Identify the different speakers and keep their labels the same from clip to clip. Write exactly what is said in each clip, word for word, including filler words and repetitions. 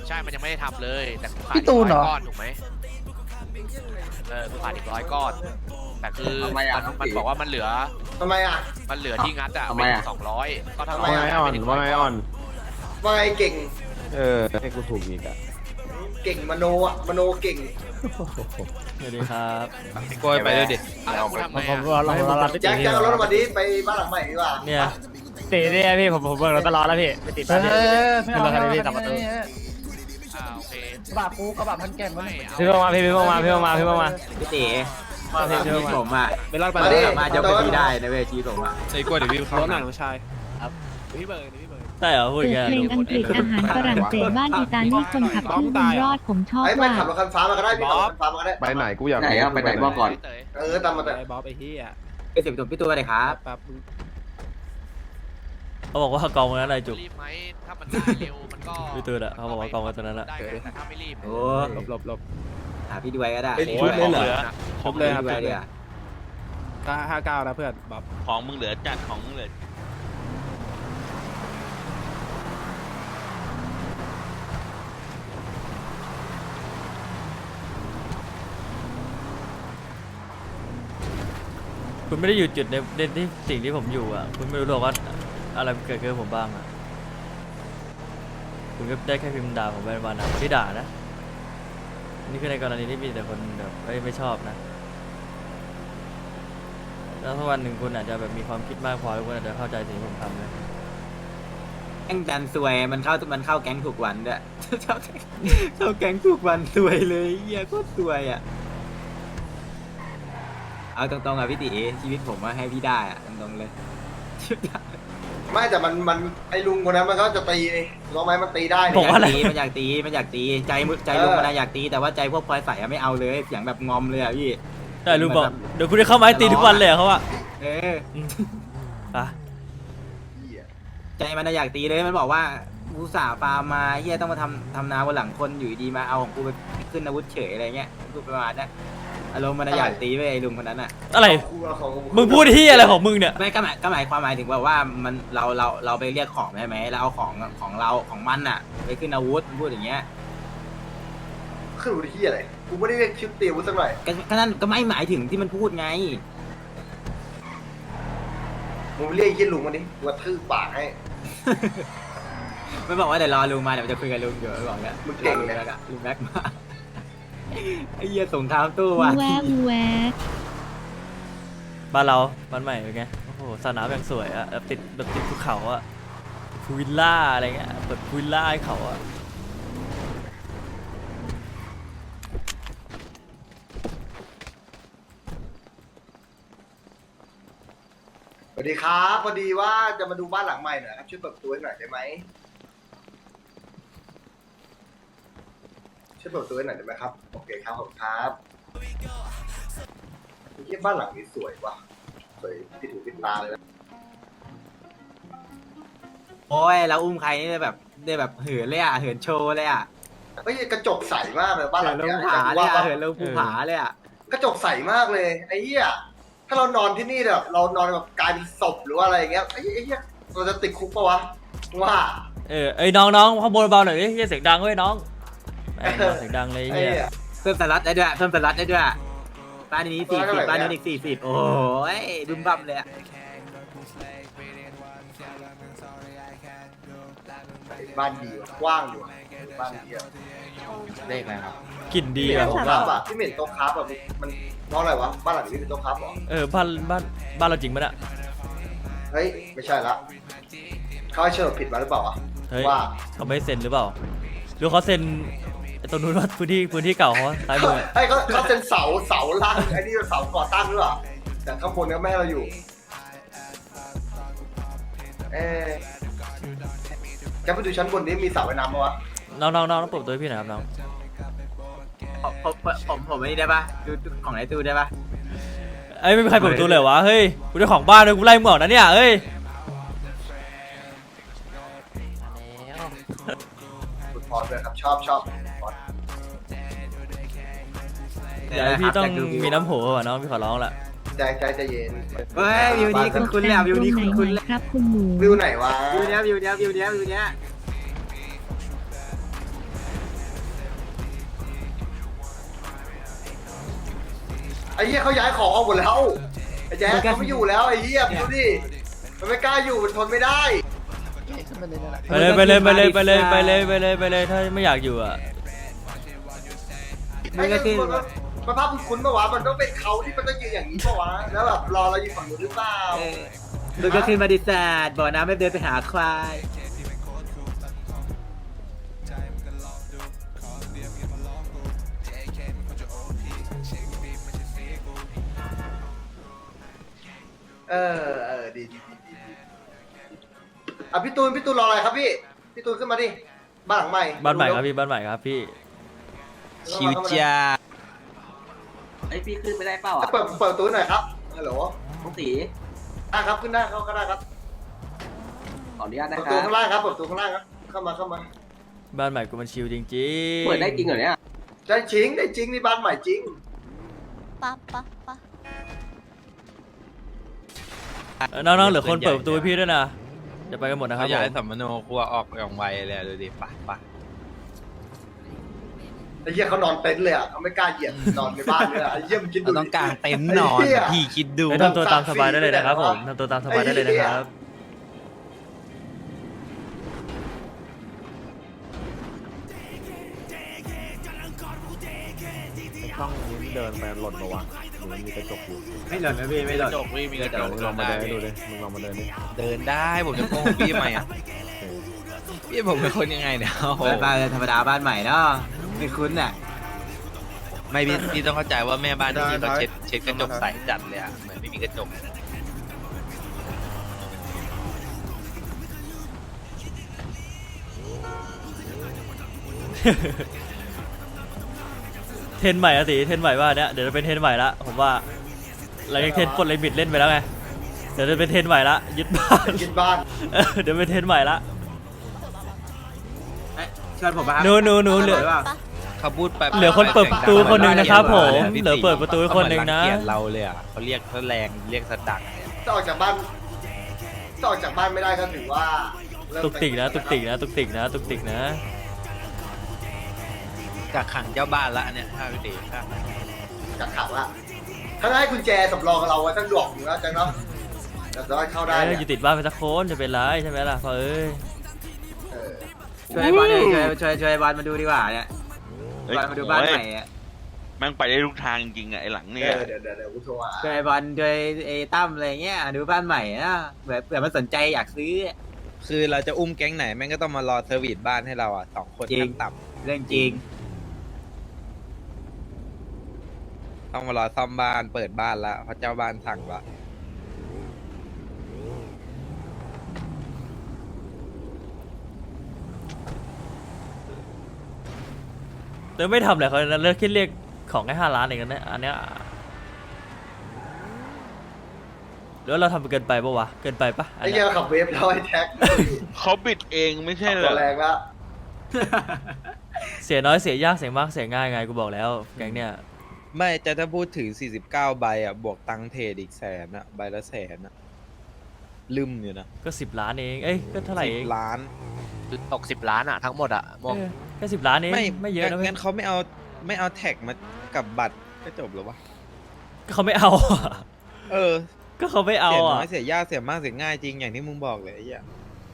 Speaker 1: ใช่มันยังไม่ได้ทำเลยแต่ขาด
Speaker 2: พี่ตูนเหรอ
Speaker 1: ก้อนถูกไหมเออขาดอีกร้อยก้อนแต่คือมันมันบอกว่ามันเหลือ
Speaker 3: ทำไมอ่ะ
Speaker 1: มันเหลือที่งัดอ่ะเป็นสองร้อยก็เท่ากับ
Speaker 4: ว่าไงอ่อนว่าไงอ่อน
Speaker 3: ว่าไงเก่ง
Speaker 4: เออให้กูถูกอีกอ่ะ
Speaker 3: เก่งมโนอ่ะมโนเก่ง
Speaker 5: สวัสดีครับ
Speaker 6: พี่กล้วยไปด้วยดิ
Speaker 1: แล้วกูทำไง
Speaker 5: ผม
Speaker 1: อ่ะ
Speaker 5: รอรอรอพี่
Speaker 3: แจ็
Speaker 5: ตี
Speaker 3: คแจ็คเอารถมาดิไปบ้านหลังใหม่ดีกว่า
Speaker 5: เนี่ยตีเนี่ยพี่ผมผมเบิกรถตลอดแล้วพี่ไปติด
Speaker 2: เอ
Speaker 5: ตามพี่
Speaker 2: อไม่เอาไม่เอา
Speaker 5: ขึ้นรถคันนี้
Speaker 2: ไม่
Speaker 5: กลับมาตู้
Speaker 2: เอา
Speaker 1: อ่าโอเค
Speaker 2: กระบะกูกระบะพันแก่นมัน
Speaker 1: ไม่
Speaker 5: พี่เพิ่งมาพี่พี่เพิ่งมาพี่เพิ่งมาพี่เพิ่งมา
Speaker 7: พี่ตี
Speaker 5: มาพี่
Speaker 7: ชี
Speaker 5: เพิ่
Speaker 7: วิ
Speaker 5: ง
Speaker 7: ต
Speaker 5: มา
Speaker 7: ผมอ่ะ
Speaker 6: ไม่รอดไป
Speaker 3: มาดิ
Speaker 7: สามารถยกไปที่ได้นะเว้ยชีวิตผมอ่ะ
Speaker 6: ไอ้กล้วยเดี๋ยวพี่เข้าร
Speaker 4: ถหนังชาย
Speaker 6: พี่เบิร์ดพี่เบิร์ด
Speaker 5: ใช่เหรอพูด
Speaker 8: เปิ
Speaker 5: อย่าง
Speaker 8: ด
Speaker 5: เงี้ย
Speaker 8: เพลงอังกฤษอาหารฝรั่งเศสบ้านอิตาลีคนขับชื่อบุญรอดผมชอบ
Speaker 3: ไอ้ไม่
Speaker 8: ว่า
Speaker 3: ขับรถคันฟ้ามาก็ได้พี่ขับรถคันฟ้ามาก็ได้
Speaker 4: ไปไหนกูอยาก
Speaker 7: ไหนอ่ะไปไหนบอกก่อน
Speaker 1: เตย
Speaker 3: เออตามมาแต่
Speaker 6: ไอ้บ๊อบไอ้เหี้ย
Speaker 7: ไปสิบตัวพี่ตัวเลยครับ
Speaker 6: แป๊บ
Speaker 5: เขาบอกว่ากองนั้นอะไรจุก
Speaker 1: รีบไหมถ้ามันได้เร็วมันก็
Speaker 5: พี่ตูนอะเขาบอกว่ากองไว้ตรงนั้นอะ
Speaker 1: ได้ไงแต่ถ้าไม่รีบ
Speaker 7: โอ้
Speaker 6: หลบหลบหลบ
Speaker 7: หาพี่ด้วยก็ได้
Speaker 6: เป็นชุดเลยเหรอ ครบเลยครับ
Speaker 7: พี่ด้วยเดี๋ยว
Speaker 6: ก็ห้าเก้านะเพื่อนบ๊อบ
Speaker 9: ของมึงเหลือจัดของมึงเหลือ
Speaker 5: คุณไม่ได้อยู่จุดในในที่สิ่งที่ผมอยู่อ่ะคุณไม่รู้หรอกว่าอะไรเกิดขึ้นกับผมบ้างอ่ะคุณก็ได้แค่พิมพ์ด่าผมไปวันนะที่ด่านะนี่คือในกรณีที่มีแต่คนแบบไม่ไม่ชอบนะแล้วถ้าวันหนึ่งคุณอาจจะแบบมีความคิดมากพอคุณอาจจะเข้าใจสิ่งที่ผมทำนะ
Speaker 7: แก๊งดันซวยมันเข้ามันเข้าแก๊งถูกวันด้วยเข้าแก๊งเข้าแก๊งถูกวันซวยเลยเหี้ยโคตรซวยอ่ะเอาตรงๆอ่ะพี่ตีชีวิตผมว่าให้พี่ได้อ่ะตรงๆเลย
Speaker 3: ไม่แต่มันมันไอ้ลุงคนนั้นมันก็จะตีรู้ไหมมันตีได้
Speaker 5: ผมว่าอะไร
Speaker 7: มันอยากตีมันอยากตีใจมึใจลุงมันอยากตีแต่ว่าใจพวกพลอยใส่ไม่เอาเลยเสียงแบบงอมเลยอ่ะพี่
Speaker 5: แต่ลุงบอกเดี๋ยวคุณจะเข้ามาให้ตีทุกวันเลยเหรอเขาว่า
Speaker 7: เออ
Speaker 5: อ่ะ
Speaker 7: ใจมันอยากตีเลยมันบอกว่ากูสาฟาร์มมาเฮียต้องมาทำทำนาบนหลังคนอยู่ดีมาเอาของกูไปขึ้นอาวุธเฉยอะไรเงี้ยกูประมาณนั้นอารมณ์มันอยากตีไปไอ้ลุงคนนั้นอ่ะ
Speaker 5: อะไรมึงพูดที่อะไรของมึงเนี่ย
Speaker 7: ไม่ก็หมายก็หมายความหมายถึงว่าว่ามันเราเราเราไปเรียกของใช่ไหมเราเอาของของเราของมันอ่ะไปขึ้นอาวุธพูดอย่างเงี้ย
Speaker 3: ขึ้นดูที่อะไรกูไม่ได้เรียกชิปตีวุ้สักหน่อย
Speaker 7: ก็ก็นั่นก็ไม่หมายถึงที่มันพูดไง
Speaker 3: มึงเรียกไอ้ยี่ลุงมาดิกูกระทืบปากให้
Speaker 7: ไม่บอกว่าเดี๋ยวรอลุงมาเดี๋ยวจะคุยกับลุงเดี๋ยวบอกเนี่ย
Speaker 3: มึงเก่ง
Speaker 7: ลุง
Speaker 3: นะ
Speaker 7: แม็กอะลุงแม็กมาไอ้เหี้ยสงครามตู้ว่ะ
Speaker 8: แวะแวะ
Speaker 5: บ้านเราบ้านใหม่เป็นไงโอ้โหสนามอย่างสวยอะแบบติดแบบติดภูเขาอะพูวิลล่าอะไรเงี้ยเปิดพูวิลล่าให้เขาอะ
Speaker 3: สวัสดีครับพอดีว่าจะมาดูบ้านหลังใหม่หน่อยครับช่วยเปิดประตูให้หน่อยได้ไหมช่วยเปิดประตูให้หน่อยได้ไหมครับโอเคครับผมครับที่บ้านหลังนี้สวยว่ะสวยที่ถูกติดตาเลยนะ
Speaker 7: โอ้ยแล้วอุ้มใครนี่ได้แบบได้แบบเหินเลยอ่ะเหินโชว์เลยอ่ะ
Speaker 3: เฮ้ยกระจกใสมากเลยบ้านห
Speaker 7: เหิ
Speaker 3: ลั
Speaker 7: น
Speaker 3: ง
Speaker 7: ลง
Speaker 3: เนี้ย
Speaker 7: ผาเลย
Speaker 3: ว่า
Speaker 7: อ่ะเหินลงภูผาเลยอ่ะ
Speaker 3: กระจกใสมากเลยไอ้เหี้ยถ้าเรานอนที่นี่แบบเรานอนแบบกลายเป็นศพหรือว่าอะไรอย่างเงี้ยไอ้ไอ้เหี้ยเราจะติดคุกปะวะว่า
Speaker 5: เออไอ้น้องน้องข้างบนเบาหน่อยดิเฮียเสียงดังเว้ยน้องแม่งเสียงดังเลย
Speaker 3: ไอ้
Speaker 5: เฮีย
Speaker 3: เหี้ย
Speaker 7: เพิ่มสล็อตได้ด้วยเพิ่มสล็อตได้ด้วยบ้านนี้สี่สิบบ้านนี้อีกสี่สิบโอ้ยบึ้มบั่มเลยอ่ะ
Speaker 3: บ้านดีว่ะกว้างอยู่ว่ะบ้านดีอ่ะ
Speaker 9: เลขอะไรครับ
Speaker 5: กลิ่นดี
Speaker 3: ที่เหม็
Speaker 5: อะ
Speaker 3: น
Speaker 5: ผ
Speaker 3: โต๊ะ
Speaker 5: ม
Speaker 3: ครั
Speaker 5: ว่า
Speaker 3: บอ่ะที่เหม็นโต๊ะครับอ่ะมันเพราะอะไรวะบ้านหลังนี้เป็นโต๊ะครับเหรอ
Speaker 5: เออบ้านบ้านบ้านเราจริงปะเนี่ย
Speaker 3: เฮ้ยไม่ใช่ละเขาให้เชิญผิดมาหรือเปล่าอ่ะ
Speaker 5: เฮ้ย
Speaker 3: ว่า
Speaker 5: เขาไม่เซ็นหรือเปล่าหรือเขาเซ็นไอ้ตรงนู้นว่าพื้นที่พื้นที่เก่าเขาซ้ายมือ
Speaker 3: ไอ้เขาเขาเป็นเสาเสาล่างไอ้นี่เสาก่อตั้งหรือเปล่าแต่ข้างบนก็แม่เราอยู่เอ๊ะจะไปดูชั้นบนนี้มีสระว่ายน้ำปะวะ
Speaker 5: น้องน้องน้องต้องปลุกตัวให้พี่หน่อยครับน้อง
Speaker 7: ผมผมผมผมไม่ได้ปะดูของไอ้ตู้ได้ปะ
Speaker 5: เอ้ยไม่มีใครเปิดประตูเลยวะเฮ้ยกูได้ของบ้านเลยกูไล่มึงออกนะเนี่ยเฮ้ย
Speaker 3: ฟุตบอลเลยครับชอบชอบฟุตบอล
Speaker 5: เดี๋ยวพี่ต้องมีน้ำโหว่ะน้องพี่ขอร้องละ
Speaker 3: ใจใจใจเย็น
Speaker 7: เฮ้ยวิวนี้คุ้นๆเลยอ่ะวิวนี้
Speaker 8: ตรงไหน
Speaker 7: คุ้นๆ
Speaker 8: ไห
Speaker 7: เล
Speaker 8: น
Speaker 7: ย
Speaker 8: ครับคุณหมู
Speaker 3: วิวไหนวะ
Speaker 7: วิวเนี้ยวิวเนี้ยวิวเนี้ยวิวเนี้ย
Speaker 3: ไอ้เหี้ยเขาย้ายของออกหมดแล้วไอ้แจ๊คเขาไม่อยู่แล้วไอ้เหี้ยดูดิมันไม่กล้าอยู่มันทนไม่ได้
Speaker 5: ไปเลยไปเลยไปเลยไปเลยไปเลยไปเลยไปเลยถ้าไม่อยากอยู่อ่ะ
Speaker 3: ไอ้เหี้ยมันมันภาพมันคุ้นปะวะมันต้องเป็นเขาที่มันต้องยืนอย่างนี้ปะวะแล้วแบบรอเราอยู่ฝั่งนู้นหรือเปล่า
Speaker 7: ลุงก็ขึ้นมาดิสาดบ่อน้ำไม่เดินไปหาควาย
Speaker 3: เออเออดีดีดีดีอ่ะพี่ตูนพี่ตูนรออะไรครับพี่พี่ตูนขึ้นมาดิบ้านหลังใหม่
Speaker 5: บ้านใหม่ครับพี่บ้านใหม่ครับพี่
Speaker 9: ชิวจ้า
Speaker 7: ไอพี่ขึ้นไม่ได้เปล่าอ่ะ
Speaker 3: เปิดเปิดประตูหน่อยครับฮัลโหล
Speaker 7: ต้องตี
Speaker 3: อ่ะครับขึ้นได้เข้าก็ได้ครับ
Speaker 7: ขออนุญาต
Speaker 3: เปิ
Speaker 7: นะ
Speaker 3: ด
Speaker 7: ค
Speaker 3: ประตู
Speaker 7: รับ
Speaker 3: ข้างล่างครับเปิดประตูข้างล่างครับเข้ามาเข้ามา
Speaker 5: บ้านใหม่กูมันชิลจริงๆ
Speaker 7: เปิดได้จริงเหรอเนี่ย
Speaker 3: ได้จริงได้จริงนี่บ้านใหม่จริง
Speaker 8: ปั๊บปั๊บปั๊บ
Speaker 5: เออน้องๆเหลือคนเปิดประตูให้พี่ด้วยนะจะไปกันหมดนะครับ
Speaker 9: เขาย้าย
Speaker 5: ผม
Speaker 9: สัมมโนครัวออกอย่างไวเลยดูดิปะปะ
Speaker 3: ไอ้เหี้ยเขานอนเต็นท์เลยอ่ะเขาไม่กล้าเหยียบนอนในบ้านเลยอ่ะไอ้เหี้ยมันคิดดู
Speaker 9: เราต้องการเต็นท์นอน
Speaker 3: ไเหี้ย
Speaker 9: พี่คิดดู
Speaker 5: เฮ้ยทำตัวตามสบายได้เลยนะครับผมทำตัวตามสบายได้เลยนะครับ
Speaker 4: ต้องเดินไปหล่นมาวะหรือมันมีกระจกอยู่
Speaker 7: ไม่หล่นนะพี่ไม่หล่น
Speaker 9: จบพี่มีกระจ
Speaker 4: เดี๋ยว
Speaker 9: ก
Speaker 4: มึงลองมาเดินให้ดูดิมึงลองมาเดินดิ
Speaker 9: เดินได้ผมจะโกงพี่ทำไมอ่ะพี่ผมเป็นคนยังไงเนี่ยโอ้โห
Speaker 7: บ้านธรรมดาบ้านใหม่เนาะไม่คุ้นอ่ะ
Speaker 9: ไม่พี่พี่ต้องเข้าใจว่าแม่บ้านที่นี่เขาเช็ดเช็ดกระจกใสจัดเลยอ่ะเหมือนไม่มีกระจก
Speaker 5: เทรนใหม่อะสิเทรนใหม่ว่าเนี้ยเดี๋ยวจะเป็นเทรนใหม่ละผมว่าเรายังเทรนปลดลิมิตเล่นไปแล้วไงเดี๋ยวจะเป็นเทรนใหม่ละยึดบ้าน
Speaker 3: กินบ้าน
Speaker 5: เออเดี๋ยวเป็นเทรนใหม่ละ
Speaker 7: ชวนผมมา
Speaker 5: หนูหนูหนูเหลือ
Speaker 9: เขาพูดไป
Speaker 5: เหลือคนเปิดประตูคนหนึ่งนะครับผมเหลือเปิดประตูคนหนึ่งนะ
Speaker 9: เกลียดเราเลยอ่ะเขาเรียกเขาแรงเรียกสะดักเนี่ย
Speaker 3: จะออกจากบ้านจะออกจากบ้านไม่ได้ก็ถือว่าเริ่ม
Speaker 5: ตุกติกนะตุกติกนะตุกติกนะตุกติกนะ
Speaker 9: จากขังเจ้าบ้านละเนี่ยถ้าพี่ตีถ้า
Speaker 3: จากขังละถ้าได้กุญแจสำรองกับเราไว้สักดอกหนึ่งแล้วจังเนาะจะได้เข้าได้
Speaker 5: เอ้ย
Speaker 3: เนี่ย
Speaker 5: อยู่ติดบ้านไปสักคนจะเป็นไรใช่ไหมล่ะพ่อเอ้ย
Speaker 3: เออ
Speaker 7: ช่วยบอลช่วยช่วยช่วยบอลมาดูดีกว่าเนี่ยบอลมาดูบ้านใหม่อ่ะ
Speaker 9: แม่งไปได้ทุกทางจริงอ่ะไอหลัง
Speaker 3: เอ
Speaker 9: เนี่ย
Speaker 3: อเดี๋ยวเดี๋ยวเดี๋ยวกูโทรหา
Speaker 7: ช่วยบอลช่วยไอ้ตั้มอะไรเงี้ยดูบ้านใหม่นะเผื่อเผื่อมันสนใจอยากซื้อ
Speaker 9: คือเราจะอุ้มแก๊งไหนแม่งก็ต้องมารอเซอร์วิสบ้านให้เราอ่ะสองคน
Speaker 7: จริง
Speaker 9: ขั้นต่
Speaker 7: เรื่องจริง
Speaker 9: ำต้องมารอซ่อมบ้านเปิดบ้านละเพราะเจ้าบ้านสั่งละ
Speaker 5: เดี๋ยวไม่ทำเลยเขาเลิกคิดเรียกของแค่ห้าล้านเองนะอันเนี้ยแล้วเราทำเกินไปปะวะเกินไปปะอัน
Speaker 3: ไอ้
Speaker 5: เนี้
Speaker 3: เหี้
Speaker 5: ย
Speaker 3: ยขับเวฟแล้วไอ้แท็ก
Speaker 9: เขาบิดเองไม่ใช่เหร
Speaker 3: ตั
Speaker 9: อ
Speaker 3: วแรงละ
Speaker 5: เสียน้อยเสียยากเสียมากเสียง่ายไงกูบอกแล้วแก๊งเนี้ย
Speaker 9: ไม่จะถ้าพูดถึงสี่สิบเก้าใบอ่ะบวกตังค์เทรดอีกแสนอ่ะใบละแสนอ่ะลืมอยู่นะ
Speaker 5: ก็สิบล้านเองเอ้ยก็เท่าไหร่
Speaker 9: สิ
Speaker 5: เอง
Speaker 9: บล้าน
Speaker 1: ตกสิบล้านอะทั้งหมดอะมอง
Speaker 5: เออแค่สิบล้านเอง
Speaker 9: ไม่
Speaker 5: ไม่เยอะนะเว้ย
Speaker 9: งั้นเขาไม่เอาไม่เอาแท็กมากับบัตรก็จบแล้ววะ
Speaker 5: ก็เขาไม่เอาอะ
Speaker 9: เออ
Speaker 5: ก็เขาไม่เอา
Speaker 9: เสียน้
Speaker 5: อ่ะ
Speaker 9: อยเสียยากเสียมากเสียง่ายจริงอย่างที่มึงบอกเลยไอ้เหี้ย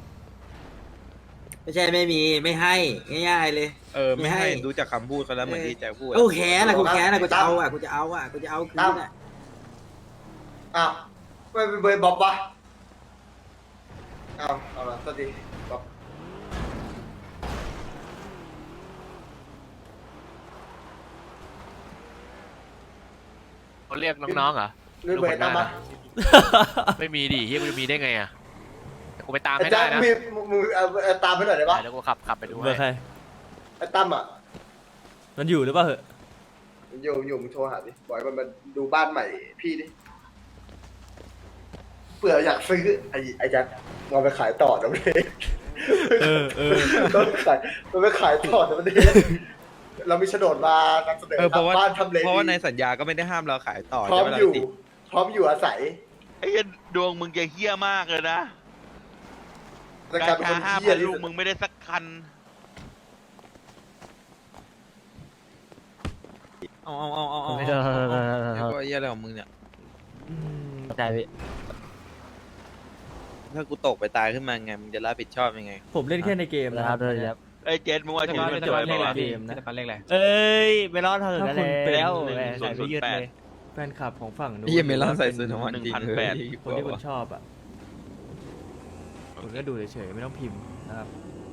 Speaker 7: ไม่ใช่ไม่มีไม่ให้ง่ายๆเลย
Speaker 9: เออไม่ให้
Speaker 7: ไม่ให้
Speaker 9: ดูจากคำพูดเขาแล้วเหมือนที่แจ็คพูดอะ
Speaker 7: โอ้แค้นอะกูแค้นอะกูจะเอาอะกูจะเอาอะกูจะเอาคืนอะ
Speaker 3: อ้าวไม่เป็นเบย์บ๊อบวะอ้าวเอาละสวัสดีบ๊อบ
Speaker 1: เขาเรียกน้องๆเหรอ
Speaker 3: เรื่องเบย์ตามมา
Speaker 1: ไม่มีดิเฮียมันจะมีได้ไงอะเดี๋ยวกูไปตาม
Speaker 3: ไอ้
Speaker 1: ให้
Speaker 3: แจ็
Speaker 1: ได้
Speaker 3: ค
Speaker 1: นะ
Speaker 3: มีมือเอาเอาตามไปหน่อยได้ปะ
Speaker 1: เดี๋ยวกูขับขับไปดู
Speaker 5: เบอร์ใคร
Speaker 1: ให้
Speaker 3: ไอ้ตั้มอ่ะ
Speaker 5: มันอยู่หรือเปล่าเหอะ
Speaker 3: อยู่อยู่มึงโทรหาดิบอยมันมาดูบ้านใหม่พี่ดิเผื่ออยากซื้อไอ้ไอ้แจ็คเราไปขายต่อนะมันเอง
Speaker 5: เออเออ
Speaker 3: ต้องขายมันไปขายต่อนะมันเองเรามีโฉนดมานำเสนอ
Speaker 9: เออเพราะว่า
Speaker 3: บ้านทำเล
Speaker 9: เพราะว่าใน
Speaker 3: ดี
Speaker 9: สัญญาก็ไม่ได้ห้ามเราขายต่อ
Speaker 3: พร้อ
Speaker 9: ใช่
Speaker 3: ม
Speaker 9: ไหมล่ะ
Speaker 3: อยู่
Speaker 9: พี่
Speaker 3: พร้อมอยู่อาศัย
Speaker 9: ไอ้เหี้ยดวงมึงจะเฮี้ยมากเลยนะ
Speaker 3: แต่
Speaker 9: กาก
Speaker 3: ลายเป็น
Speaker 9: ชา
Speaker 3: คน
Speaker 9: ห้า
Speaker 3: เหี้
Speaker 9: พั
Speaker 3: ย
Speaker 9: น
Speaker 3: ที่
Speaker 9: ลูก
Speaker 3: สุด
Speaker 9: มึงไม่ได้สักคันเอาเอาเอาเอาเอา
Speaker 2: ไม่ได้
Speaker 9: เดี๋ยวก็เหี้ยอะไรของมึงเนี่ย
Speaker 2: ใจพี่
Speaker 9: ถ้ากูตกไปตายขึ้นมาไงมึงจะรับผิดชอบยังไง
Speaker 5: ผมเล่นแค่ในเกม
Speaker 2: นะ
Speaker 5: นะ
Speaker 2: ค
Speaker 5: ค
Speaker 2: รั
Speaker 5: รั
Speaker 2: บบ ด้วยครับ
Speaker 1: เอ้ยเจนมึงว่าถึงมันจอย
Speaker 5: เล่น
Speaker 1: ป่าวะ
Speaker 5: เกมนะ
Speaker 6: ปันเลขอะไร
Speaker 2: เอ้ยไม่รอดเถอะ
Speaker 5: ถ้าคุณเป็น
Speaker 2: แล้ว
Speaker 1: หนึ่ง
Speaker 2: ใส่ไปยืดเลย
Speaker 5: แฟนคลับของฝั่งนู้น
Speaker 9: เหี้ยเมลอนใส่สูทของมันจริง
Speaker 1: หนึ่งพันแปด
Speaker 9: เลย
Speaker 5: คนที่คุณชอบอ่ะคุณก็ดูเฉยๆไม่ต้องพิมพ์นะครับ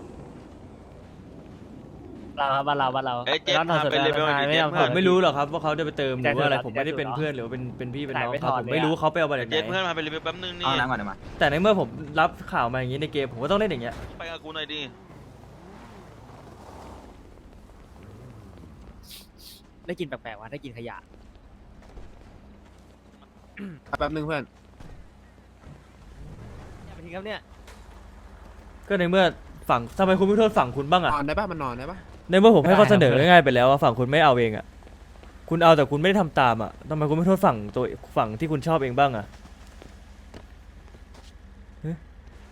Speaker 2: เราครับบ้านเราบ้านเรา
Speaker 1: เอ้ยเจนพาไปเลเวลนี้เจน
Speaker 5: ผ
Speaker 1: พาม
Speaker 5: ไม่รู้หรอกครับว่าเขาจะไปเติมหรือว่าอะไร
Speaker 2: ใจ
Speaker 5: ผมไม่ได้เป็น
Speaker 2: ใจ
Speaker 5: เพื่อนหรือว่าเป็นเป็นพี่เป็นน้อง
Speaker 2: ขายไม่
Speaker 5: เขา
Speaker 2: ถอด
Speaker 5: ผม
Speaker 2: เลย
Speaker 5: ไม่
Speaker 2: อะ
Speaker 5: รู้เขาไปเอามาจากไห
Speaker 1: เจนเพื่อน
Speaker 5: น
Speaker 1: พาไปเลเวลแป๊บนึงนี่
Speaker 7: เอาน้ำก่อนเดี๋ยวมา
Speaker 5: แต่ในเมื่อผมรับข่าวมาอย่างนี้ในเกมผมก็ต้องเล่นอย่างเงี้ย
Speaker 1: ไปกับกูหน่อยดิ
Speaker 2: ได้กินแปลกๆว่ะได้กินขยะ
Speaker 6: แป๊บนึงเพื่อน
Speaker 2: อย่าไปทิ้งครับเนี่ย
Speaker 5: ก็ในเมื่อฝั่งทำไมคุณไม่โทษฝั่งคุณบ้าง
Speaker 6: น
Speaker 5: อ่ะ
Speaker 6: อนได้ป่ะมันนอนได้ป่ะ
Speaker 5: ในเมื่อผมให้ข้อเสนอ
Speaker 2: ได้ครับ
Speaker 5: ง่ายๆไปแล้วว่าฝั่งคุณไม่เอาเองอ่ะคุณเอาแต่คุณไม่ได้ทำตามอ่ะทำไมคุณไม่โทษฝั่งตัวฝั่งที่คุณชอบเองบ้างอ่ะฮะ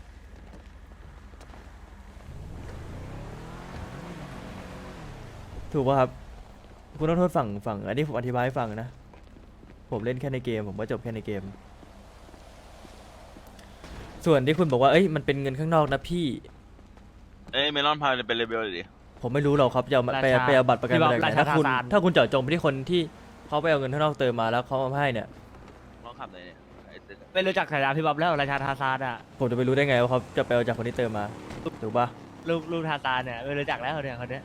Speaker 5: ถูกป่ะครับคุณต้องโทษฝั่งฝั่งอันนี้ผมอธิบายให้ฟังนะผมเล่นแค่ในเกมผมก็จบแค่ในเกม ส่วนที่คุณบอกว่าเอ้ยมันเป็นเงินข้างนอกนะพี่
Speaker 1: เอ้ยเมลอนพาไปเลเวลเลยดิ
Speaker 5: ผมไม่รู้หรอกครับจะเอามาไป
Speaker 2: ราชา
Speaker 5: ไปเอาบัตรประกัน
Speaker 2: พี่
Speaker 5: มา
Speaker 2: บอก
Speaker 5: จากไหน
Speaker 2: ราชา
Speaker 5: ถ้าคุณ
Speaker 2: ทาสาน
Speaker 5: ถ้าคุณเจาะจงไปที่คนที่เขาไปเอาเงินข้างนอกเติมมาแล้วเขาเอามาให้เนี่ย
Speaker 1: ลองขับเลยเนี่ยไอ้เจน
Speaker 2: ไม่รู้จักฉายาพี่บ๊อบแล้วราชาทาซานอ่ะ
Speaker 5: ผมจะไปรู้ได้ไงว่าเขาจะไปเอาจากคนที่เติมมาถูกปะ
Speaker 2: ลูกลูกทาซานเนี่ยไม่รู้จักแล้วเนี่ยคนเนี้ย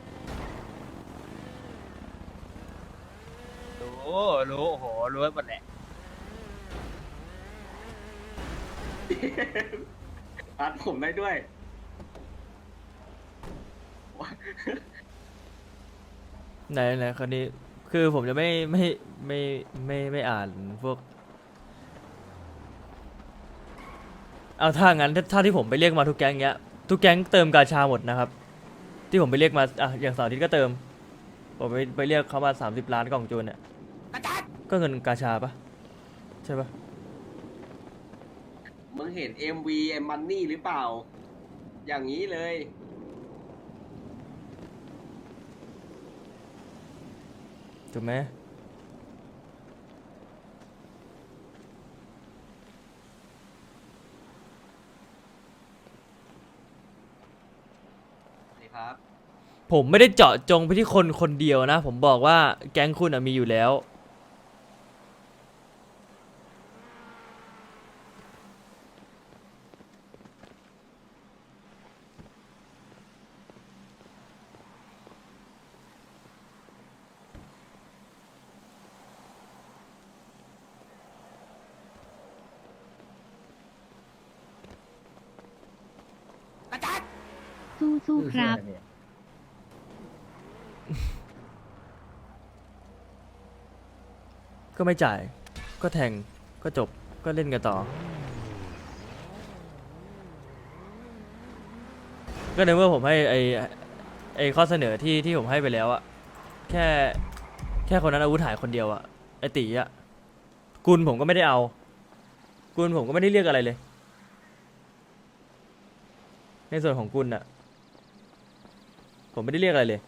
Speaker 2: รู้รู้โอ้โหรู้หมดแหละ
Speaker 7: อัดผมได้ด้วย
Speaker 5: ไหนไหนคนนี้คือผมจะไม่ไม่ไม่ไม่ไม่อ่านพวกเอาถ้างั้นถ้าถ้าที่ผมไปเรียกมาทุกแก๊งเงี้ยทุกแก๊งเติมกาชาหมดนะครับ ที่ผมไปเรียกมาอ่ะอย่างเสาร์อาทิตย์ก็เติมผมไปไปเรียกเขามาสามสิบล้านกล่องจูนเนี่ยก็เงินกาชาปะใช่ปะ
Speaker 7: มึงเห็น เอ็ม วี เอ็ม Money หรือเปล่า อย่างนี้เลย
Speaker 5: ถูกไหม
Speaker 7: ครับ
Speaker 5: ผมไม่ได้เจาะจงไปที่คนคนเดียวนะ ผมบอกว่าแก๊งคุณอะมีอยู่แล้ว
Speaker 8: สู้สู้ครับ
Speaker 5: ก็ไม่จ่าย ก็แทง ก็จบ ก็เล่นกันต่อ ก็ในเมื่อผมให้ไอไอข้อเสนอที่ที่ผมให้ไปแล้วอะแค่แค่คนนั้นอาวุธหายคนเดียวอะไอตีอะกุลผมก็ไม่ได้เอา กุลผมก็ไม่ได้เรียกอะไรเลย ในส่วนของกุลอะผมไม่ได้เรียกอะไรเลย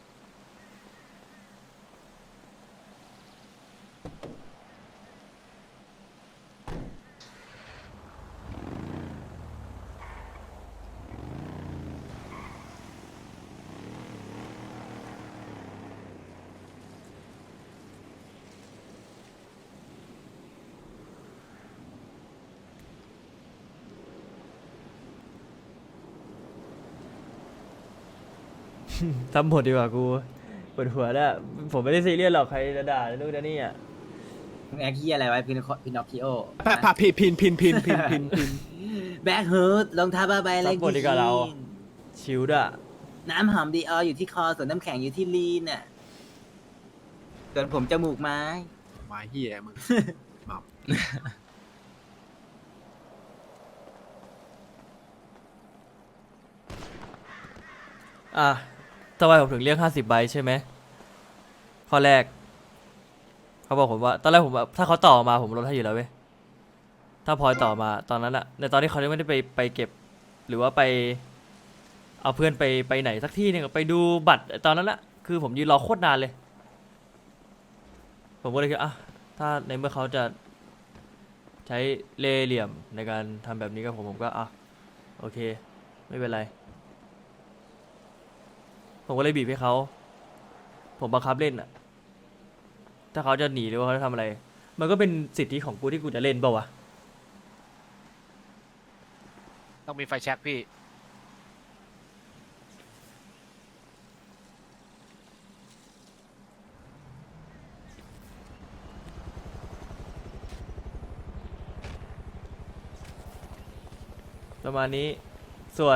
Speaker 5: ทำหมดดีกว่ากูปวดหัวแล้วผมไม่ได้ซีเรียสหรอกใครจะด่านู่นจะนี่อ่ะ
Speaker 7: มึงแอคที่อะไรไว้พินพินอคคิโอ
Speaker 6: แป๊บพินพินพินพินพินพินพิน
Speaker 7: แบ็คฮูดรองเท้าผ้าใบอะไร
Speaker 5: ซัพพอร์ตดีกว่าเรา ชิลด์อะ
Speaker 7: น้ำหอมดีอออยู่ที่คอส่วนน้ำแข็งอยู่ที่ลีนน่ะส่วนผมจมูกไม้
Speaker 6: มาเฮียมึง
Speaker 5: อ่ะทำไมผมถึงเรียกห้าสิบใบใช่ไหมข้อแรก เขาบอกผมว่า ตอนแรกผมแบบถ้าเขาต่อมาผมลดให้อยู่แล้วเว้ย ถ้าพลอยต่อมาตอนนั้นอะในตอนที่เขายังไม่ได้ไปไปเก็บ หรือว่าไป เอาเพื่อนไปไปไหนสักที่หนึงอะไปดูบัตรตอนนั้นอะคือผมยืนรอโคตรนานเลยผมก็เลยคิดอ่ะถ้าในเมื่อเขาจะใช้เล่ห์เหลี่ยมในการทำแบบนี้กับผมผมก็อ่ะโอเค ไม่เป็นไร ผมก็เลยบีบให้เขา ผมบังคับเล่นอ่ะ ถ้าเขาจะหนีหรือว่าเขาจะทำอะไร มันก็เป็นสิทธิของกูที่กูจะเล่นเปล่าวะ
Speaker 1: ต้องมีไฟแช็กพี่
Speaker 5: ประมาณนี้ ส่วน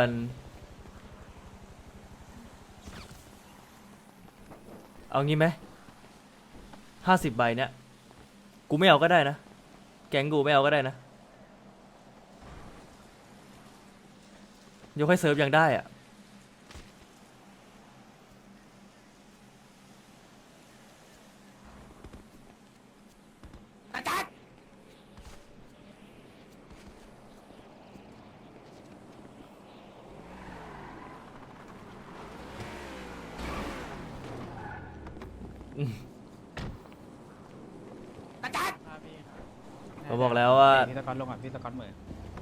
Speaker 5: เอางี้ไหมห้าสิบใบเนี่ย กูไม่เอาก็ได้นะ แก๊งกูไม่เอาก็ได้นะ ยกให้เซิร์ฟยังได้อะผมบอกแล้วว่า
Speaker 2: พี่ตะกอนลงอ่ะพี่ตะกอนเหมือน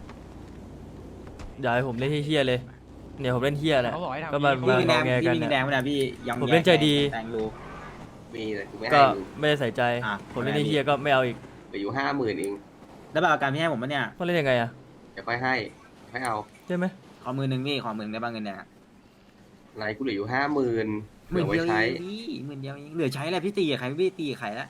Speaker 5: อย่าให้ผมเล่นเฮี้ยๆเลย เนี่ยผมเล่นเฮี้ยแหละ
Speaker 2: เขาบอกให้ทำ
Speaker 5: ก็มา
Speaker 7: พี่
Speaker 5: มา
Speaker 7: มี
Speaker 5: ง
Speaker 7: แด
Speaker 5: อง แง
Speaker 7: พี่
Speaker 5: กัน
Speaker 7: มี
Speaker 5: นะ
Speaker 7: แดงไหมนะพี่ยำ
Speaker 5: ผมเล่นใจดี
Speaker 7: แดงรู
Speaker 10: มีแต่กูไม่
Speaker 5: ก็
Speaker 10: ให้มึง
Speaker 5: ไม่ได้ใส่ใจ
Speaker 7: อ่ะ
Speaker 5: ผมเล่นเฮี้ยก็ไม่เอาอีก
Speaker 10: เหลืออยู่ห้าหมื่นเอง
Speaker 7: แล้วแบบอาการพี่ให้ผมปะเนี่ย
Speaker 5: ก็เล่นยังไงอะ
Speaker 10: เดี๋ยวค่อยให้ค่อยเอา
Speaker 5: ใช่ไหม
Speaker 7: ขอมือหนึ่งพี่ขอมือหนึ่งได้บ้างเงินเนี่ย
Speaker 10: อะไรกูเหลืออยู่ห้าหมื่น
Speaker 7: ห
Speaker 10: เหลื
Speaker 7: มื่
Speaker 10: อน ไว้
Speaker 7: เดียว
Speaker 10: ใช้
Speaker 7: เองพี่หมื่นเดียวเองเหลือใช้อะไรพี่ตีกับใครพี่ตีกับใครแล้ว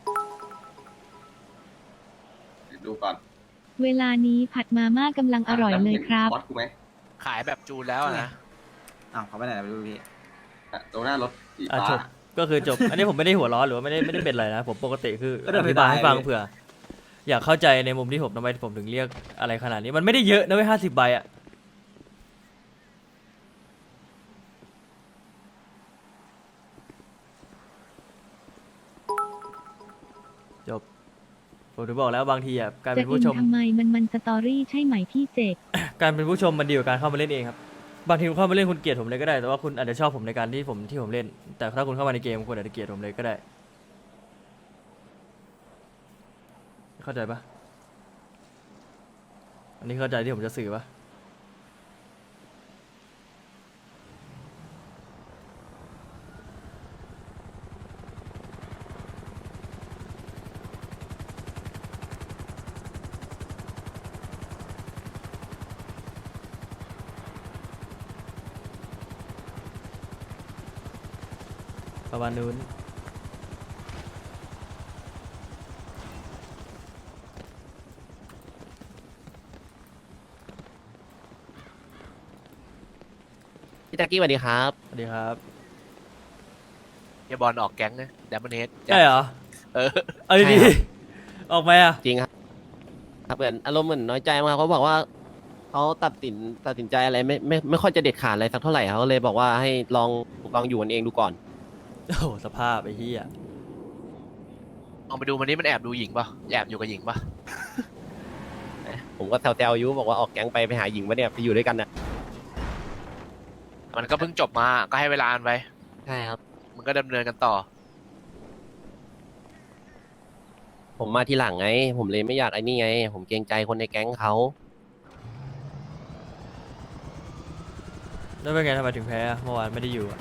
Speaker 10: เดี๋ยวดูก่อน
Speaker 8: เวลานี้ผัดมาม่ากำลังอร่อยเลยครับ
Speaker 10: วัดกูไหม
Speaker 1: ขายแบบจูนแล้วอะนะ
Speaker 7: อ้าวเขาไปไหนไม่รู้พี่
Speaker 10: อ่ะตรงหน้ารถสี
Speaker 5: อ่ะ
Speaker 10: ฟ้า
Speaker 5: จบก็คือจบ อันนี้ผมไม่ได้หัวร้อนหรือว่าไม่ได้ไม่ได้เป็นอะไรนะ ผมปกติคืออธิบายให้ฟังเผื่อ อยากเข้าใจในมุมที่ผมทำไมผมถึงเรียกอะไรขนาดนี้ มันไม่ได้เยอะนะเว้ยห้าสิบใบอะจบ ผมถึงบอกแล้วบางทีอ่ะการ
Speaker 8: จะ
Speaker 5: เป็น
Speaker 8: อิ
Speaker 5: ผู้
Speaker 8: น
Speaker 5: ชม
Speaker 8: ทำไมมันมันสตอรี่ใช่ไหมพี่เจก
Speaker 5: การเป็นผู้ชมมันดีกว่าการเข้ามาเล่นเองครับบางทีคุณเข้ามาเล่นคุณเกลียดผมเลยก็ได้แต่ว่าคุณอาจจะชอบผมในการที่ผมที่ผมเล่น แต่ถ้าคุณเข้ามาในเกมคุณอาจจะเกลียดผมเลยก็ได้ เข้าใจปะอันนี้เข้าใจที่ผมจะสื่อปะประมาณนู้น
Speaker 2: พี่ตะกี้สวัสดีครับ
Speaker 5: สวัสดีครับ
Speaker 1: เฮียบอลออกแก๊งนะแดมเบิลเฮด
Speaker 5: ใช่เหรอ
Speaker 1: เออ
Speaker 5: เอาดี
Speaker 2: ใช่ครับ
Speaker 5: ๆออกไหมอ่ะ
Speaker 2: จริงครับครับเหมือนอารมณ์เหมือนน้อยใจมากเขาบอกว่าเขาตัดสินตัดสินใจอะไรไม่ไม่ไม่ค่อยจะเด็ดขาดอะไรสักเท่าไหร่เขาเลยบอกว่าให้ลองลองอยู่กันเองดูก่อน
Speaker 5: โอ้โหสภาพไอ้เหี้ย
Speaker 1: ลองไปดูมันนี้มันแอบดูหญิงปะแอบอยู่กับหญิงปะ
Speaker 2: ผมก็แซวๆอายุบอกว่าออกแก๊งไปไปหาหญิงมาเนี่ยไปอยู่ด้วยกันนะ
Speaker 1: มันก็เพิ่งจบมาก็ให้เวลามันไป
Speaker 2: ใช่ครับ
Speaker 1: มันก็ดำเนินกันต่อ
Speaker 2: ผมมาทีหลังไง ผมเลยไม่อยากไอ้นี่ไง ผมเกรงใจคนในแก๊งเขา
Speaker 5: แล้วเป็นไงทำไมถึงแพ้อะเมื่อวานไม่ได้อยู่อะ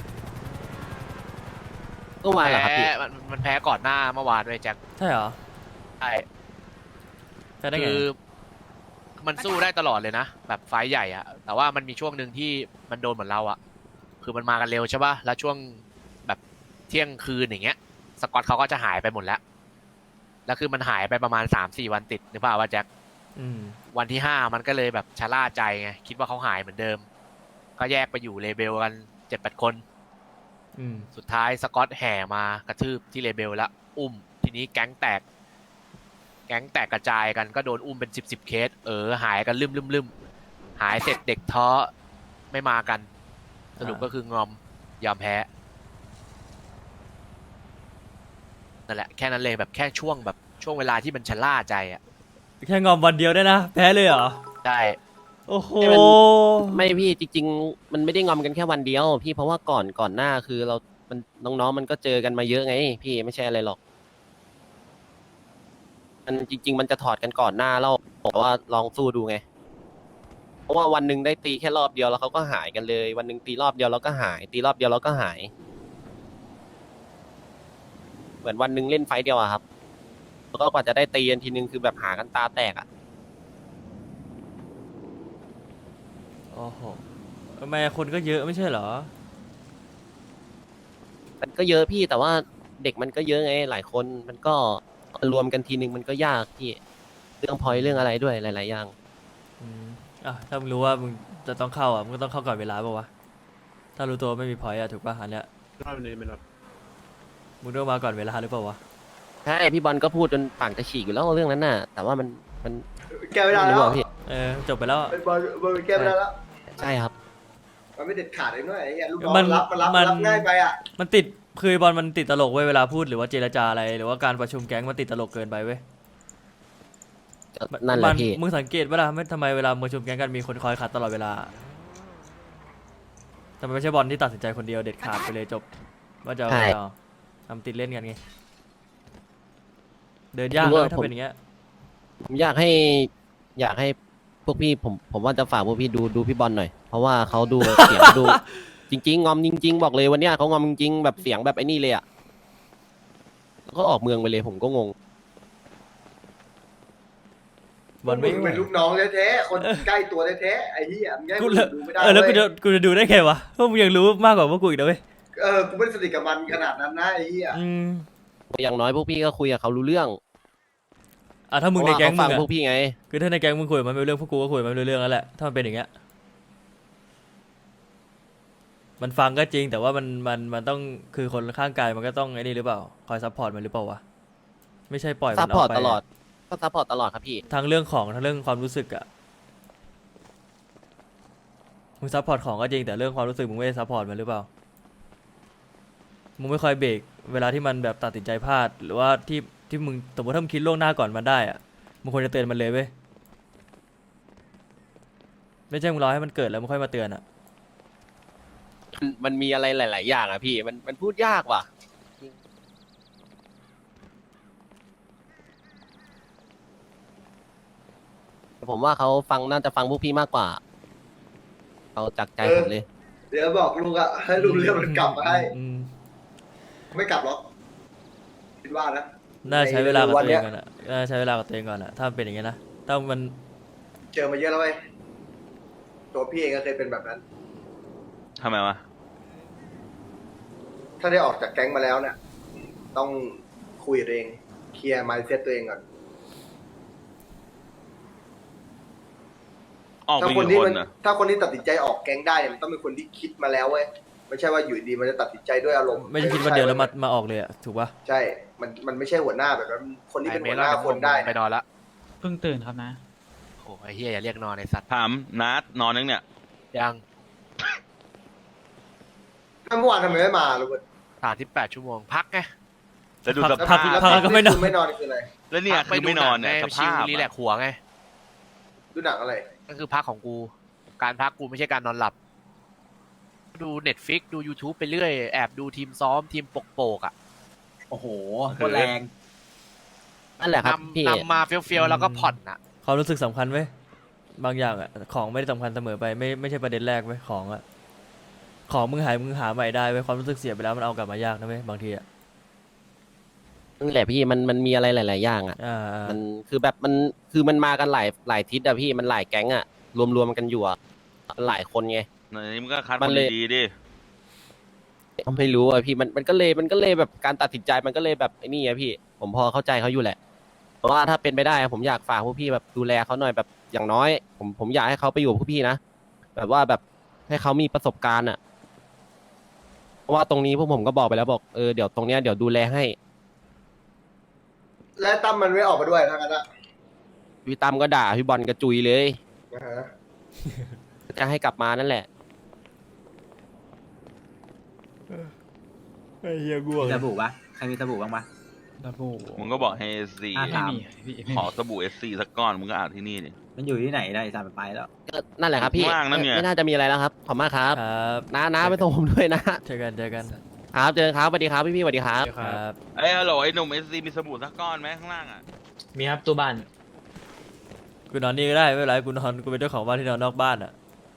Speaker 2: เมื่อวานเหรอครับพี่
Speaker 1: แพ้มันมันแพ้ก่อนหน้าเมื่อวานด้วยแจ็ค
Speaker 5: ใช่เหรอ
Speaker 1: ใช่
Speaker 5: แพ้ได้ไง
Speaker 1: คือมันสู้ได้ตลอดเลยนะ แบบไฟท์ใหญ่อะแต่ว่ามันมีช่วงหนึ่งที่มันโดนเหมือนเราอะคือมันมากันเร็วใช่ป่ะแล้วช่วงแบบเที่ยงคืนอย่างเงี้ย สกอตเขาก็จะหายไปหมดแล้วแล้วคือมันหายไปประมาณสามสี่วันติดนึกภาพว่าแจ็ค
Speaker 5: อืม
Speaker 1: วันที่ห้ามันก็เลยแบบชะล่าใจไงคิดว่าเขาหายเหมือนเดิม ก็แยกไปอยู่เลเบลกันเจ็ดแปดคน
Speaker 5: อืม
Speaker 1: สุดท้ายสกอตแห่มากระทืบที่เลเบลแล้วอุ้ม ทีนี้แก๊งแตก แก๊งแตกกระจายกันก็โดนอุ้มเป็นสิบสิบเคส เออ หายกันลืมลืมลืมหายเสร็จเด็กท้อไม่มากัน สรุปก็คืองอมยอมแพ้นั่นแหละแค่นั้นเลยแบบแค่ช่วงแบบช่วงเวลาที่มันชะล่าใจอ่ะ
Speaker 5: แค่งอมวันเดียวได้นะ แพ้เลยเหรอ
Speaker 1: ใช่
Speaker 5: โอ้โห
Speaker 2: ให้มัน ไม่พี่จริง ๆ มันไม่ได้งอมกันแค่วันเดียว พี่เพราะว่าก่อนก่อนหน้าคือเรา มันน้องๆมันก็เจอกันมาเยอะไง พี่ไม่ใช่อะไรหรอกมันจริง ๆ มันจะถอดกันก่อนหน้าแล้วบอกว่าลองสู้ดูไง เพราะว่าวันหนึ่งได้ตีแค่รอบเดียวแล้วเขาก็หายกันเลย วันหนึ่งตีรอบเดียวแล้วก็หาย ตีรอบเดียวแล้วก็หาย เหมือนวันหนึ่งเล่นไฟต์เดียวอะครับแล้วก็กว่าจะได้ตีกันทีนึงคือแบบหากันตาแตกอะ
Speaker 5: โอ้โหทำไมคนก็เยอะไม่ใช่เหรอ
Speaker 2: มันก็เยอะพี่แต่ว่าเด็กมันก็เยอะไงหลายคนมันก็รวมกันทีนึงมันก็ยากพี่เรื่องพอยเรื่องอะไรด้วยหลาย ๆ อย่าง
Speaker 5: อืมอ่ะถ้ามึงรู้ว่ามึงจะต้องเข้าอ่ะมึงก็ต้องเข้าก่อนเวลาป่าวะถ้ารู้ตัวไม่มีพอยต์อ่ะถูกป่ะอันเนี้ย
Speaker 6: รอบนี้ไม่รอบ
Speaker 5: มึงต้องมาก่อนเวลาหรือเปล่าวะ
Speaker 2: ใช่พี่บอลก็พูดจนปากจะฉีกอยู่แล้วเรื่องนั้นน่ะ แต่ว่ามันมัน
Speaker 3: แก้ไม่ได้แล้ว
Speaker 2: รู้อะพี่
Speaker 5: เออจบไปแล้ว
Speaker 3: ไอ้บอลบอลแก้ไม่ได้แล้ว
Speaker 2: ใช่ครับ
Speaker 3: มันไม่เด็ดขาดเลยด้วยไอ้เหี้ยลูกน้อง
Speaker 5: มัน
Speaker 3: รับมันรับ
Speaker 5: มัน
Speaker 3: รับง่ายไปอ่ะ
Speaker 5: มันติดคือบอลมันติดตลกเว้ยเวลาพูดหรือว่าเจรจาอะไรหรือว่าการประชุมแก๊งมันติดตลกเกินไปเว้ย
Speaker 2: นั่นแหละ
Speaker 5: มัน
Speaker 2: พี่
Speaker 5: มึงสังเกตเวลาไม่ทำไมเวลาประชุมแก๊งกันมีคนคอยขัดตลอดเวลาแต่มันไม่ใช่บอลที่ตัดสินใจคนเดียวเด็ดขาดไปเลยจบว่าจะเอาไงต่อทำติดเล่นกันไงเดินยากเลยถ้าเป็นอย่างเงี้ย
Speaker 2: ผมอยากให้ อยากให้พวกพี่ผมผมว่าจะฝากพวกพี่ดูดูพี่บอลหน่อย เพราะว่าเขาดู เสียงดู จริง ๆ งอมจริง ๆ บอกเลยวันเนี้ยเขางอมจริงๆแบบเสียงแบบไอ้นี่เลยอ่ะแล้วก็ออกเมืองไปเลยผมก็งง
Speaker 5: บอลไม่
Speaker 3: มึงเป็นลูกน้องแท้ๆคนใกล้ตัวแท้ๆไอ้เหี้ยมึงแง่
Speaker 5: กู
Speaker 3: คน
Speaker 5: เลย
Speaker 3: อื่นดูไม่ได้
Speaker 5: เออแล้วกู
Speaker 3: เว้
Speaker 5: จะ
Speaker 3: ย
Speaker 5: กูจะดูได้ไงวะเพราะมึงยังรู้มากกว่าพวกกูอีกนะเว้ย
Speaker 3: เออกูไม่ได้สนิทกับมันขนาดนั้นนะไอ้เหี้ย
Speaker 5: อืม
Speaker 2: อย่างน้อยพวกพี่ก็คุยกับเขารู้เรื่อง
Speaker 5: อ่ะถ้ามึงในแก๊ง
Speaker 2: เพราะว่าเขาฟั
Speaker 5: มึง
Speaker 2: ง
Speaker 5: อะ
Speaker 2: พวกพี่ไง
Speaker 5: คือถ้าในแก๊งมึงคุยกับมันไม่รู้เรื่องพวกกูก็คุยกับมันไม่รู้เรื่องแล้วแหละถ้ามันเป็นอย่างเงี้ยมันฟังก็จริงแต่ว่ามันมันมันต้องคือคนข้างกายมันก็ต้องไอ้นี่หรือเปล่าคอยซัพพอร์ตมันหรือเปล่าวะไม่ใช่ปล่อยมั
Speaker 2: ซัพ
Speaker 5: นอ
Speaker 2: พอ
Speaker 5: อ
Speaker 2: ร์
Speaker 5: ก
Speaker 2: ต
Speaker 5: ไป
Speaker 2: ตลอด ก็ซัพพอร์ตตลอดครับพี่
Speaker 5: ทั้งเรื่องของทั้งเรื่องความรู้สึกอะมึงซัพพอร์ตของก็จริงแต่เรื่องความรู้สึกมึงไม่ได้ซัพพอร์ตมันหรือเปล่ามึงไม่คอยเบรกเวลาที่มันแบบตัดสินใจพลาดหรือว่าที่ที่มึงสมมติถ้ามึงคิดล่วงหน้าก่อนมันได้อะมึงควรจะเตือนมันเลยเว้ยไม่ใช่มึงรอให้มันเกิดแล้วมึงค่อยมาเตือนอะ
Speaker 2: มันมันมีอะไรหลาย ๆ อย่างอะพี่ มันมันพูดยากว่ะ ผมว่าเขาฟังน่าจะฟังพวกพี่มากกว่า เขาจากใจผมเลย
Speaker 3: เดี๋ยวบอกลุงอะให้ลุงเรียกมันกลับมาให้
Speaker 5: อืม
Speaker 3: ไม่กลับหรอกคิดว่านะ
Speaker 5: น่าใช้เวลากับ
Speaker 3: วัน
Speaker 5: ตัวเอ
Speaker 3: เนี้
Speaker 5: ง
Speaker 3: ย
Speaker 5: ก่อนอะน่าใช้เวลากับตัวเองก่อนอะถ้ามันเป็นอย่างเงี้ยนะถ้ามัน
Speaker 3: เจอมาเยอะแล้วเว้ยตัวพี่เองก็เคยเป็นแบบนั้น
Speaker 11: ทำไมวะ
Speaker 3: ถ้าได้ออกจากแก๊งมาแล้วเนี่ย ต้องคุยกับตัวเองเคลียร์มายเซ็ตตัวเองก่อน
Speaker 11: ออกไป
Speaker 3: ถ้าคน
Speaker 11: กี่
Speaker 3: ที่
Speaker 11: ค
Speaker 3: มัน
Speaker 11: นอ่ะ
Speaker 3: ถ้าคนที่ตัดสินใจออกแก๊งได้เนี่ยมันต้องเป็นคนที่คิดมาแล้วเว้ยไม่ใช่ว่าอยู่ดีมันจะตัดสินใจด้วยอารมณ์
Speaker 5: ไม่ใช่คิดวันเดียวแล้วมามาออกเลยอะถูกปะ
Speaker 3: ใช่ มันมันไม่ใช่หัวหน้าแบบนั้นคนที่เป็น
Speaker 1: ไอ้
Speaker 3: หัว
Speaker 1: ม
Speaker 3: หน้า
Speaker 1: กับ
Speaker 3: คนได้
Speaker 1: ไป
Speaker 3: นะ
Speaker 1: นอนละ
Speaker 7: เพิ่งตื่นครับนะ
Speaker 1: โอ้ไอ้เฮียอย่าเรียกนอนไอ้สัตว์
Speaker 11: ถามนัดนอนนึงเนี่ย
Speaker 1: ยัง
Speaker 3: ถ้าเมื่อวานทำไมไม่มาลูก
Speaker 1: สามสิบแปดชั่วโมงพักไง
Speaker 11: แล้วดูส
Speaker 5: พั
Speaker 11: ภาก พ
Speaker 5: พักแล้วก็ไม่นอน
Speaker 3: ไม่นอนคืออะไร
Speaker 11: แล้วเนี่ย
Speaker 1: พัก
Speaker 11: คือไม่นอนเนี่ย
Speaker 1: ดูห
Speaker 11: ส
Speaker 1: งไงชิ
Speaker 11: ภา
Speaker 1: ล
Speaker 11: พ
Speaker 1: รีแล
Speaker 11: อะ
Speaker 1: กซ์หัวไง
Speaker 3: ดูหนังอะไร
Speaker 1: นั่นคือพักของกู การพักกูไม่ใช่การนอนหลับ ดูเน็ตฟิกดู YouTube ไปเรื่อย แอบดูทีมซ้อมทีมปกโปกๆอ่ะ
Speaker 7: โอ้โหโคตรแรง
Speaker 2: นั่นแหละครับพี่
Speaker 1: นำนำมาเฟี้ยวๆแล้วก็ผ่อนอ่ะ
Speaker 5: ความรู้สึกสำคัญเว้ยบางอย่างอะของไม่ได้สำคัญเสมอไปไม่ไม่ใช่ประเด็นแรกเว้ยของอะของมึงหายมึงหาใหม่ได้เว้ยความรู้สึกเสียไปแล้วมันเอากลับมายากนะเว้ยบางทีอะ
Speaker 2: นั่นแหละพี่มันมันมีอะไรหลาย ๆ อย่างอ่ะ
Speaker 5: อ่าอ่า
Speaker 2: มันคือแบบมันคือมันมากันหลายหลายทิศอะพี่มันหลายแก๊งอะรวมๆกันอยู่อะหลายคนไง
Speaker 11: ในนี้มันก็คัด
Speaker 2: มั
Speaker 11: คน
Speaker 2: นเลย
Speaker 11: ดีๆดิ
Speaker 2: ก็ไม่รู้อะพี่มันมันก็เลยมันก็เลยแบบการตัดสินใจมันก็เลยแบบไอ้นี่อะพี่ ผมพอเข้าใจเขาอยู่แหละเพราะว่าถ้าเป็นไปได้ผมอยากฝากพวกพี่แบบดูแลเขาหน่อยแบบอย่างน้อย ผมผมอยากให้เขาไปอยู่กับพวกพี่นะแบบว่าแบบให้เขามีประสบการณ์อะเพราะว่าตรงนี้พวกผมก็บอกไปแล้วบอกเออเดี๋ยวตรงเนี้ยเดี๋ยวดูแลให้
Speaker 3: และตั้มมันไม่ออกมาด้วยทั้งนั้นอะ
Speaker 2: พี่ตั้มก็ด่าพี่บอลกระจุยเลย
Speaker 3: นะฮะ
Speaker 2: จะให้กลับมานั่นแหละ
Speaker 5: ไอ้เหี้ยกู
Speaker 7: มีสบู่ปะใครมีสบู่บ้างปะ
Speaker 11: มึงก็บอกให้เอสซี
Speaker 7: ห้าสาม
Speaker 11: ขอสบู่เอสซีสักก้อนมึงก็อาบที่นี่ดิ
Speaker 7: มันอยู่ที่ไหนได้สามไปแล้ว
Speaker 2: ก็นั่นแหละครับพี่
Speaker 11: ว่างนะเนี่ย
Speaker 2: ไม่น่าจะมีอะไรแล้วครับ ขอบมากครับ
Speaker 5: ครับ
Speaker 2: น้าน้าไปส่งผมด้วยนะ
Speaker 5: เจอกันเจอกัน
Speaker 2: ครับเจอกันครับสวัสดีครับพี่พี่ๆสวัสดีครับ
Speaker 5: ครับ
Speaker 11: เอ้ยฮัลโหลไอ้หนุ่มเอสซีมีสบู่สักก้อนไหมข้างล่างอ่ะ
Speaker 7: มีครับตู้บ้าน
Speaker 5: กูนอนนี่ก็ได้ไม่เป็นไรกูนอนกูเป็นเจ้าของบ้านที่นอนนอกบ้านอ่ะ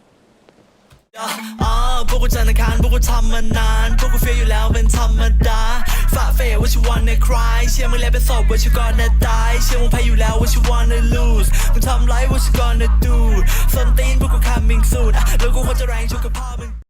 Speaker 12: อ่าพวกกูจันทร์อังคารพวกกูทำมานานพวกกูเฟียอยู่แล้วเป็นธรรมดาฝ่าเฟยว่าชิวันในคลายเชื่อมึงแล้วเป็นศพว่าชิวก่อนจะตายเชื่อมึงแพ้อยู่แล้วว่าชิวันใน lose มึงทำไรว่าชิวก่อนจะ do ส้นตีนพวกกู coming soon อ่ะแล้วกูควรจะแรงชุกกับพ่อมึง